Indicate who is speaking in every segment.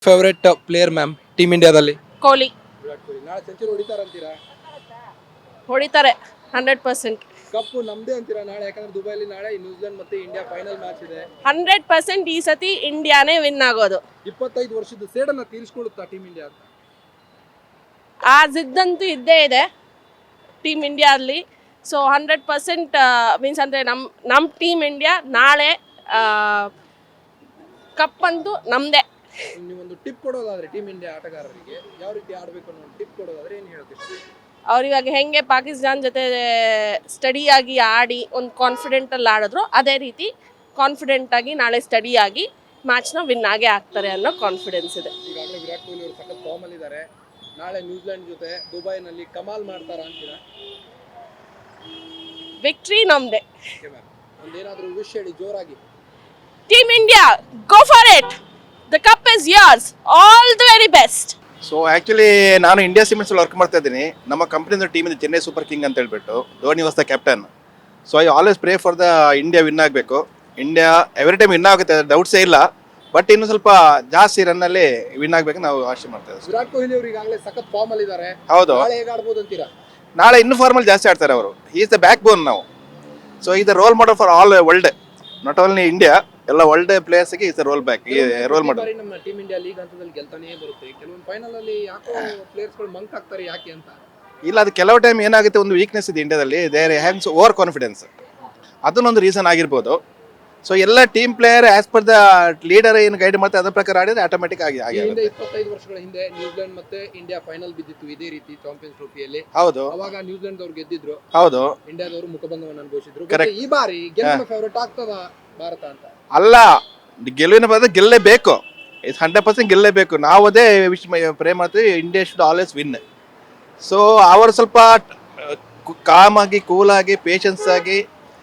Speaker 1: Favourite player ma'am team ಇಂಡಿಯಾದಲ್ಲಿ?
Speaker 2: ಕೊಹ್ಲಿ
Speaker 1: ವಿರಾಟ್ ಕೊಹ್ಲಿ ನಾಳೆ century ಹೊಡಿತಾರಂತೀರಾ?
Speaker 2: ಹೊಡಿತಾರೆ 100%.
Speaker 1: ಕಪ್ಪು ನಮ್ದೇ ಅಂತೀರಾ ನಾಳೆ? ಯಾಕಂದ್ರೆ ದುಬೈಲಿ ನಾಳೆ ನ್ಯೂಜಿಲೆಂಡ್ ಮತ್ತೆ ಇಂಡಿಯಾ ಫೈನಲ್ ಮ್ಯಾಚ್ ಇದೆ.
Speaker 2: 100% ಈ ಸತಿ ಇಂಡಿಯಾನೇ ವಿನ್ ಆಗೋದು.
Speaker 1: 25 ವರ್ಷದ ಸೇಡನ್ನ ತೀರಿಸಿಕೊಳ್ಳುತ್ತಾ ಟೀಮ್ ಇಂಡಿಯಾ ಅಂತ?
Speaker 2: ಆ ಜಿದ್ದಂತೂ ಇದ್ದೇ ಇದೆ ಟೀಮ್ ಇಂಡಿಯಾದಲ್ಲಿ. ಸೊ 100% ಮೀನ್ಸ್ ಅಂದರೆ ನಮ್ಮ ಟೀಮ್ ಇಂಡಿಯಾ ನಾಳೆ ಕಪ್ ಅಂತೂ ನಮ್ಮದೇ.
Speaker 1: ನೀವೊಂದು ಟಿಪ್ ಕೊಡೋದಾದ್ರೆ ಟೀಮ್ ಇಂಡಿಯಾ ಆಟಗಾರರಿಗೆ ಯಾವ ರೀತಿ ಆಡಬೇಕು ಅನ್ನೋ ಟಿಪ್ ಕೊಡೋದಾದ್ರೆ ಏನು ಹೇಳ್ತೀರಿ?
Speaker 2: ಅವ್ರಿವಾಗ ಹೆಂಗೆ ಪಾಕಿಸ್ತಾನ ಜೊತೆ ಸ್ಟಡಿಯಾಗಿ ಆಡಿ ಒಂದು ಕಾನ್ಫಿಡೆಂಟಲ್ಲಿ ಆಡಿದ್ರು, ಅದೇ ರೀತಿ ಕಾನ್ಫಿಡೆಂಟಾಗಿ ನಾಳೆ ಸ್ಟಡಿಯಾಗಿ ಮ್ಯಾಚ್ನ ವಿನ್ ಆಗೇ ಆಗ್ತಾರೆ ಅನ್ನೋ ಕಾನ್ಫಿಡೆನ್ಸ್ ಇದೆ.
Speaker 1: ಈಗಾಗಲೇ ವಿರಾಟ್ ಕೊಹ್ಲಿ ಅವರು ಸಖತ್ ಫಾರ್ಮಲ್ಲಿ ಇದ್ದಾರೆ. ನಾಳೆ ನ್ಯೂಜಿಲೆಂಡ್ ಜೊತೆ ದುಬೈನಲ್ಲಿ ಕಮಾಲ್ ಮಾಡ್ತಾರಾ ಅಂತೀರಾ?
Speaker 2: ವಿಕ್ಟ್ರಿ ನಮ್ಮದೇ.
Speaker 1: ಓಕೆ ಮ್ಯಾಮ್, ಒಂದೇನಾದರೂ ವಿಶ್ ಹೇಳಿ ಜೋರಾಗಿ.
Speaker 2: Team India, go for it, the cup is yours, all the very best.
Speaker 3: So actually ನಾನು ಇಂಡಿಯಾ ಸಿಮೆಂಟ್ಸ್ ವರ್ಕ್ ಮಾಡ್ತಾ ಇದ್ದೀನಿ. ನಮ್ಮ ಕಂಪ್ನಿಯಿಂದ ಟೀಮ್ ಇದೆ ಚೆನ್ನೈ ಸೂಪರ್ ಕಿಂಗ್ ಅಂತ ಹೇಳ್ಬಿಟ್ಟು. Dhoni was the captain. So I always pray for the India win ಆಗಬೇಕು. India every time win ಆಗುತ್ತೆ, ಡೌಟ್ಸೇ ಇಲ್ಲ. ಬಟ್ ಇನ್ನು ಸ್ವಲ್ಪ ಜಾಸ್ತಿ ರನ್ನಲ್ಲಿ ವಿನ್ ಆಗಬೇಕು ನಾವು ಆಶೆ ಮಾಡ್ತಾ ಇದ್ದೀವಿ.
Speaker 1: ವಿರಾಟ್ ಕೊಹ್ಲಿ ಅವರು ಈಗಾಗಲೇ ಸಖತ್ ಫಾರ್ಮಲ್ಲಿ ಇದ್ದಾರೆ.
Speaker 3: ಹೌದು,
Speaker 1: ನಾಳೆ ಹೇಗೆ ಆಡ್ಬೋದು ಅಂತೀರಾ?
Speaker 3: ನಾಳೆ ಇನ್ನೂ ಫಾರ್ಮಲ್ ಜಾಸ್ತಿ ಆಡ್ತಾರೆ ಅವರು. ಈಸ್ ದ ಬ್ಯಾಕ್ ಬೋನ್ ನಾವು. So is the role model for all world, not only India, ಎಲ್ಲ ವರ್ಲ್ಡ್ ಪ್ಲೇಯರ್ಸ್ಗೆ is the role back role model.
Speaker 1: ನಮ್ಮ ಟೀಮ್ ಇಂಡಿಯಾ ಲೀಗ್ ಹಂತದಲ್ಲಿ ಗೆಲ್ತಾನೇ ಬರುತ್ತೆ. ಕೆಲವೊಂದು ಫೈನಲ್ ಅಲ್ಲಿ ಯಾಕೋ ಪ್ಲೇಯರ್ಸ್ಗಳು ಮಂಕ್ ಆಗ್ತಾರೆ, ಯಾಕೆ ಅಂತ?
Speaker 3: ಇಲ್ಲ, ಅದು ಕೆಲವು ಟೈಮ್ ಏನಾಗುತ್ತೆ, ಒಂದು ವೀಕ್ನೆಸ್ ಇದೆ ಇಂಡಿಯಾದಲ್ಲಿ, ದೇರ್ ಹ್ಯಾವ್ಸ್ ಓವರ್ ಕಾನ್ಫಿಡೆನ್ಸ್. ಅದನ್ನೊಂದು ರೀಸನ್ ಆಗಿರ್ಬೋದು. ಸೊ ಎಲ್ಲ team player as per the leader ಏನು ಗೈಡ್ ಮಾಡ್ತಾರೆ ಅದ್ರ ಪ್ರಕಾರ ಆಡಿದ್ರೆ ಆಟೋಮೆಟಿಕ್ ಆಗಿ
Speaker 1: ಹಿಂದೆ 25 ವರ್ಷಗಳ ಹಿಂದೆ ನ್ಯೂಜಿಲೆಂಡ್ ಮತ್ತೆ ಇಂಡಿಯಾ ಫೈನಲ್ ಬಿದ್ದಿತ್ತು ಇದೇ ರೀತಿ ಚಾಂಪಿಯನ್ಸ್ ಟ್ರೋಫಿಯಲ್ಲಿ.
Speaker 3: ಹೌದು,
Speaker 1: ಅವಾಗ ನ್ಯೂಜಿಲೆಂಡ್ ಅವ್ರು ಗೆದ್ದಿದ್ರು,
Speaker 3: ಹೌದು,
Speaker 1: ಇಂಡಿಯಾದವರು ಮುಖಭಂಗವನ್ನು ಅನುಭವಿಸಿದ್ರು.
Speaker 3: Correct.
Speaker 1: ಈ ಬಾರಿ ಗೆಲ್ಲುವ ಫೇವರೇಟ್ ಆಗ್ತದ ಭಾರತ ಅಂತ?
Speaker 3: ಅಲ್ಲ, ಗೆಲುವಿನ ಪದ ಗೆಲ್ಲೇಬೇಕು, 100% ಗೆಲ್ಲೇಬೇಕು. ನಾವು ಅದೇ ಪ್ರೇ ಮಾಡ್ತೀವಿ, India should always win. So ಅವರು ಸ್ವಲ್ಪ ಕಾಮ್ ಆಗಿ, ಕೂಲ್ ಆಗಿ, ಪೇಷನ್ಸ್ ಆಗಿ,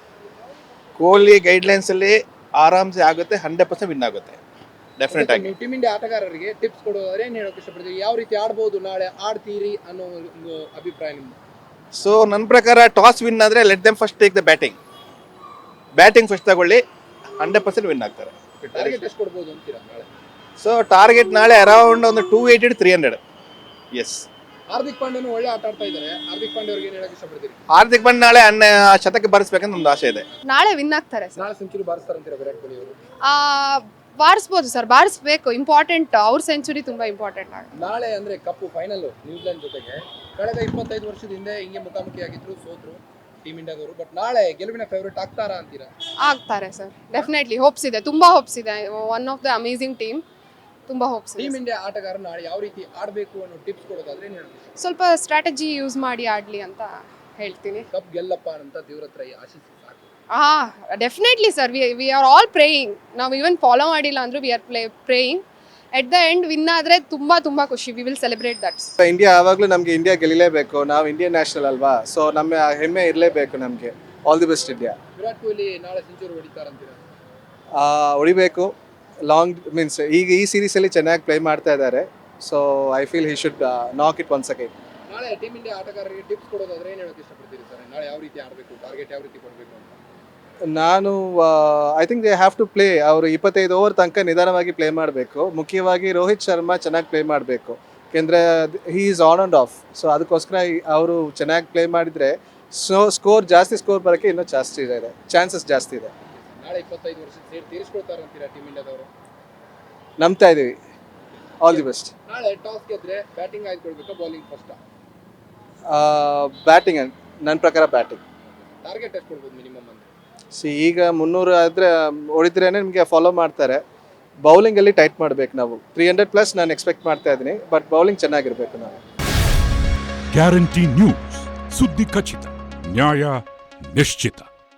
Speaker 3: ಕೊಹ್ಲಿ ಗೈಡ್ಲೈನ್ಸ್ ಅಲ್ಲಿ ಆರಾಮ್ಸೆ ಆಗುತ್ತೆ, 100% ವಿನ್ ಆಗುತ್ತೆ ಡೆಫಿನೆಟ್ ಆಗಿ.
Speaker 1: ಟೀಮ್ ಇಂಡಿಯಾ ಆಟಗಾರರಿಗೆ ಟಿಪ್ಸ್ ಕೊಡೋದಾದ್ರೆ ಏನ್ ಹೇಳೋಕೆ ಇಷ್ಟಪಡ್ತೀವಿ? ಯಾವ ರೀತಿ ಆಡ್ಬೋದು, ನಾಳೆ ಆಡ್ತೀರಿ ಅನ್ನೋ ಒಂದು ಅಭಿಪ್ರಾಯ ನಿಮ್ದು?
Speaker 3: ಸೊ ನನ್ನ ಪ್ರಕಾರ ಟಾಸ್ ವಿನ್ ಆದರೆ let them first take the batting first ತಗೊಳ್ಳಿ, 100% ವಿನ್ ಆಗ್ತಾರೆ.
Speaker 1: ಟಾರ್ಗೆಟ್ ಎಷ್ಟು ಕೊಡ್ಬೋದು ಅಂತೀರಾ ನಾಳೆ?
Speaker 3: ಸೊ ಟಾರ್ಗೆಟ್ ನಾಳೆ ಅರೌಂಡ್ ಒಂದು 280-300. ಎಸ್,
Speaker 1: ಹಾರ್ದಿಕ್ ಪಾಂಡ್ಯನು ಒಳ್ಳೆ ಆಟ ಆಡ್ತಾ ಇದ್ದಾರೆ. ಹಾರ್ದಿಕ್ ಪಾಂಡ್ಯ ಅವ್ರಿಗೆ ಏನ್ ಹೇಳಕ್ ಇಷ್ಟಪಡ್ತೀರಿ?
Speaker 3: ಹಾರ್ದಿಕ್ ಪಾಂಡ್ಯ ನಾಳೆ ಶತಕ ಬಾರಿಸ್ಬೇಕಂತ ಒಂದು ಆಸೆ ಇದೆ.
Speaker 4: ನಾಳೆ ವಿನ್ ಆಗ್ತಾರೆ ಸರ್.
Speaker 1: ನಾಳೆ ಸೆಂಚುರಿ ಬಾರಿಸ್ತಾರಂತೀರಾ ವಿರಾಟ್ ಕೊಹ್ಲಿ ಅವರು?
Speaker 4: ಬಾರಿಸ್ಬೋದು ಸರ್, ಬಾರಿಸ್ಬೇಕು, ಇಂಪಾರ್ಟೆಂಟ್. ಅವ್ರ ಸೆಂಚುರಿ ತುಂಬಾ ಇಂಪಾರ್ಟೆಂಟ್ ಆಗುತ್ತೆ.
Speaker 1: ನಾಳೆ ಅಂದ್ರೆ ಕಪ್ಪು ಫೈನಲ್ ನ್ಯೂಜಿಲೆಂಡ್ ಜೊತೆಗೆ. ಕಳೆದ 25 ವರ್ಷದ ಹಿಂದೆ ಹಿಂಗೆ ಮುಖಾಮುಖಿಯಾಗಿದ್ರು, ಸೋತ್ರು ಟೀಮ್ ಇಂಡಿಯಾದವರು. ಬಟ್ ನಾಳೆ ಗೆಲುವಿನ ಫೇವರೇಟ್ ಆಗ್ತಾರಾ ಅಂತೀರಾ?
Speaker 4: ಆಗ್ತಾರೆ ಸರ್, ಡೆಫಿನೆಟ್ಲಿ. ಹೋಪ್ಸ್ ಇದೆ, ತುಂಬಾ ಹೋಪ್ಸ್ ಇದೆ. One of the amazing team, ತುಂಬಾ ಹೋಪ್ಸ್ ಇದೆ.
Speaker 1: ಟೀಮ್ ಇಂಡಿಯಾ ಆಟಗಾರ ನಾಳೆ ಯಾವ ರೀತಿ ಆಡಬೇಕು ಅನ್ನೋ ಟಿಪ್ಸ್ ಕೊಡೋದಾದ್ರೆ ಏನ್ ಹೇಳ್ತೀವಿ?
Speaker 4: ಸ್ವಲ್ಪ ಸ್ಟ್ರಾಟಜಿ ಯೂಸ್ ಮಾಡಿ ಆಡ್ಲಿ ಅಂತ ಹೇಳ್ತೀನಿ.
Speaker 1: ಕಪ್ ಗೆಲ್ಲಪ್ಪ ಅಂತ ದೇವ್ರ ಹತ್ರ ಆಶಿಸಿ ಸಾಕು.
Speaker 4: Definitely sir, we are all praying. ನಾವು ಈವನ್ ಫಾಲೋ ಮಾಡಿಲ್ಲ ಅಂದ್ರೂ we are praying. At the end win ಆದರೆ ತುಂಬಾ ತುಂಬಾ ಖುಷಿ. We will celebrate that.
Speaker 5: India ಯಾವಾಗಲೂ ನಮಗೆ ಇಂಡಿಯಾ ಗೆಲ್ಲಲೇಬೇಕು. ನಾವು ಇಂಡಿಯನ್ ನ್ಯಾಷನಲ್ ಅಲ್ವಾ, ಸೊ ನಮ್ಮ ಹೆಮ್ಮೆ ಇರಲೇಬೇಕು ನಮಗೆ. All the best India.
Speaker 1: Virat Kohli ನಾಳೆ ಸೆಂಚುರಿ ಹೊಡಿತಾರಂತೀರಾ?
Speaker 5: ಹೊಡಿಬೇಕು. ಲಾಂಗ್ ಮೀನ್ಸ್ ಈಗ ಈ ಸೀರೀಸಲ್ಲಿ ಚೆನ್ನಾಗಿ ಪ್ಲೇ ಮಾಡ್ತಾ ಇದ್ದಾರೆ. So I feel he should knock it once again.
Speaker 1: ನಾಳೆ ಟೀಮ್ ಇಂಡಿಯಾ ಆಟಗಾರರಿಗೆ ಟಿಪ್ಸ್ ಕೊಡೋದಾದ್ರೆ ಏನು ಹೇಳೋಕೆ ಇಷ್ಟಪಡ್ತೀರಿ ಸರ್? ನಾಳೆ ಯಾವ ರೀತಿ ಆಡಬೇಕು, ಟಾರ್ಗೆಟ್ ಯಾವ ರೀತಿ ಕೊಡಬೇಕು ಅಂತ?
Speaker 5: ನಾನು I think they have to play. ಅವರು 25 ಓವರ್ ತನಕ ನಿಧಾನವಾಗಿ ಪ್ಲೇ ಮಾಡಬೇಕು. ಮುಖ್ಯವಾಗಿ ರೋಹಿತ್ ಶರ್ಮಾ ಚೆನ್ನಾಗಿ ಪ್ಲೇ ಮಾಡಬೇಕು, ಯಾಕೆಂದರೆ he is on and off. So ಅದಕ್ಕೋಸ್ಕರ ಅವರು ಚೆನ್ನಾಗಿ ಪ್ಲೇ ಮಾಡಿದರೆ ಜಾಸ್ತಿ ಸ್ಕೋರ್ ಬರೋಕ್ಕೆ ಇನ್ನೂ ಜಾಸ್ತಿ ಇದೆ, ಚಾನ್ಸಸ್ ಜಾಸ್ತಿ ಇದೆ.
Speaker 1: ನಾಳೆ 25 ವರ್ಷದ ಸೇರಿ ತೀರಿಸ್ಕೊಳ್ತಾರಂತೀರಾ ಟೀಮ್ ಇಂಡಿಯಾದವರು?
Speaker 5: ನಂಬ್ತಾ ಇದ್ದೀವಿ. All the best.
Speaker 1: ನಾಳೆ ಟಾಸ್ ಗೆದ್ರೆ ಬ್ಯಾಟಿಂಗ್ ಆಯ್ದುಕೊಳ್ಬೇಕಾ, ಬೌಲಿಂಗ್ ಫಸ್ಟ್?
Speaker 5: ಬ್ಯಾಟಿಂಗ್, ನನ್ನ ಪ್ರಕಾರ ಬ್ಯಾಟಿಂಗ್.
Speaker 1: ಟಾರ್ಗೆಟ್ ಎಷ್ಟು ಕೊಡ್ಬೋದು ಮಿನಿಮಮ್ ಅಂತ?
Speaker 5: ಈಗ 300 ಆದರೆ ಹೊಡಿದ್ರೇ ನಿಮಗೆ ಫಾಲೋ ಮಾಡ್ತಾರೆ. ಬೌಲಿಂಗಲ್ಲಿ ಟೈಟ್ ಮಾಡಬೇಕು ನಾವು. 300+ ನಾನು ಎಕ್ಸ್ಪೆಕ್ಟ್ ಮಾಡ್ತಾ ಇದ್ದೀನಿ, ಬಟ್ ಬೌಲಿಂಗ್ ಚೆನ್ನಾಗಿರಬೇಕು ನಾವು.
Speaker 6: ಗ್ಯಾರಂಟಿ ನ್ಯೂಸ್, ಸುದ್ದಿ ಖಚಿತ, ನ್ಯಾಯ ನಿಶ್ಚಿತ.